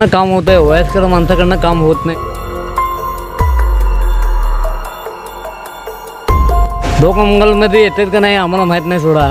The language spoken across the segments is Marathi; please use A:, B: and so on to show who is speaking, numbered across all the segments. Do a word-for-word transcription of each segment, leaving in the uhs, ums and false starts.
A: काम होत आहे, वयस्कर माणसाकडनं काम होत नाही. लोकमंगलमध्ये येतात का नाही आम्हाला माहीत नाही सोडा.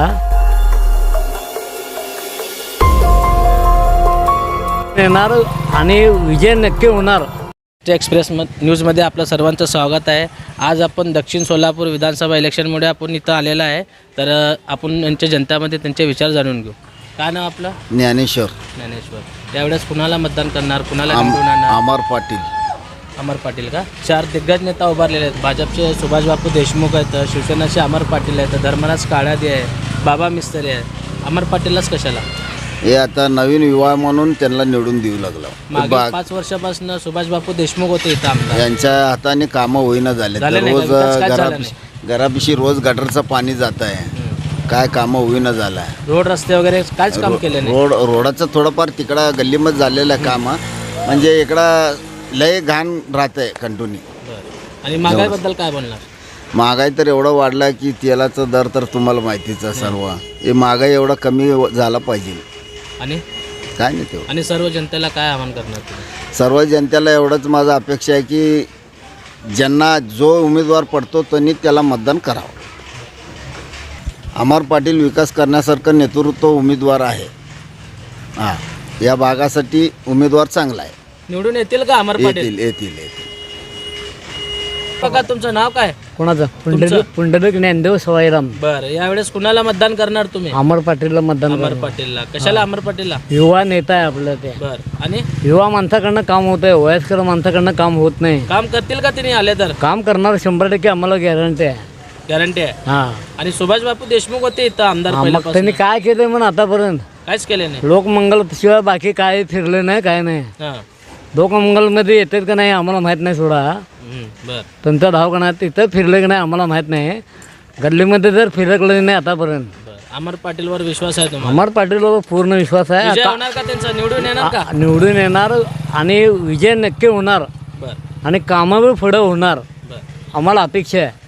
A: येणार आणि विजय नक्की होणार.
B: एक्सप्रेस न्यूजमध्ये आपलं सर्वांचं स्वागत आहे. आज आपण दक्षिण सोलापूर विधानसभा इलेक्शनमुळे आपण इथं आलेलं आहे. तर आपण यांच्या जनतामध्ये त्यांचे विचार जाणून घेऊ. काय नाव आपलं?
C: ज्ञानेश्वर.
B: ज्ञानेश्वर. यावेळेस कुणाला मतदान करणार, कुणाला
C: आम-
B: निवडून आणणार?
C: अमर पाटील.
B: अमर पाटील का? चार दिग्गज नेता उभारलेले आहेत. भाजपचे सुभाषबापू देशमुख आहेत, शिवसेनेचे अमर पाटील आहेत, धर्मराज काळादे आहे, बाबा मिस्त्री आहे. अमर पाटीललाच कशाला?
C: हे आता नवीन युवा म्हणून त्यांना निवडून देऊ लागला.
B: मागे
C: बा-
B: पाच वर्षापासून सुभाषबापू देशमुख होते इथं आमदार.
C: यांच्या हाताने कामं होईना झाले.
B: झाले नाही
C: रोज
B: का? विकास काय झाला
C: घरापिशी घरापिशी रोज गटरचं पाणी जात आहे. काय कामं होईना झालं आहे.
B: रोड रस्ते वगैरे काहीच काम केले नाही.
C: रोड रोडाचं थोडंफार तिकडं गल्लीमध्ये झालेलं आहे काम. म्हणजे इकडं लय घाण राहत आहे कंटिन्यू.
B: बरं. आणि महागाईबद्दल काय बोलणार?
C: महागाई तर एवढं वाढला की तेलाचा दर तर तुम्हाला माहितीच आहे सर्व. हे महागाई एवढा कमी झाला पाहिजे.
B: आणि
C: काय नाही तेवढं.
B: आणि सर्व जनतेला काय आवाहन करणार तुम्ही?
C: सर्व जनतेला एवढंच माझं अपेक्षा आहे की ज्यांना जो उमेदवार पडतो त्यांनी त्याला मतदान करावं. अमर पाटील विकास करण्यासारखं नेतृत्व उमेदवार आहे. हां, या भागासाठी उमेदवार चांगला आहे.
B: निवडून येतील का अमर पाटील?
C: येतील येतील येतील
B: बघा, तुमचं नाव काय?
A: कोणाचं? पुंडलिक पुंडलिक ज्ञानदेव सवाईराम.
B: बरं. यावेळेस कुणाला मतदान करणार तुम्ही?
A: अमर पाटीलला मतदान
B: अमर
A: करणार.
B: पाटीलला. कशाला अमर पाटीलला?
A: युवा नेता आहे आपलं ते.
B: बरं. आणि
A: युवा माणसाकडनं काम होत आहे, वयस्कर माणसाकडनं काम होत नाही.
B: काम करतील का तिने आले तर?
A: काम करणार शंभर टक्के आम्हाला गॅरंटी आहे.
B: गॅरंटी आहे.
A: हा,
B: आणि सुभाषबापू देशमुख होते इथं आमदार
A: मग
B: पहिल्यापासून.
A: त्यांनी काय केलंय म्हणून आतापर्यंत?
B: काहीच केले नाही.
A: लोकमंगल शिवाय बाकी काय फिरले नाही, काय नाही.
B: हां.
A: लोकमंगलमध्ये येतात का नाही आम्हाला माहीत नाही सोडा.
B: हम्म, बरं.
A: त्यांचा दवाखाना तिथं फिरले की नाही आम्हाला माहीत नाही. गल्लीमध्ये जर फिरकलं नाही आतापर्यंत.
B: बरं. अमर पाटीलवर विश्वास आहे तुम्हाला?
A: अमर पाटीलवर पूर्ण विश्वास आहे.
B: विजय
A: आता
B: होणार का त्यांचा? निवडून येणार का?
A: निवडून येणार आणि विजय नक्की होणार
B: बरं.
A: आणि कामं बी पुढं होणार
B: बरं.
A: आम्हाला अपेक्षा आहे.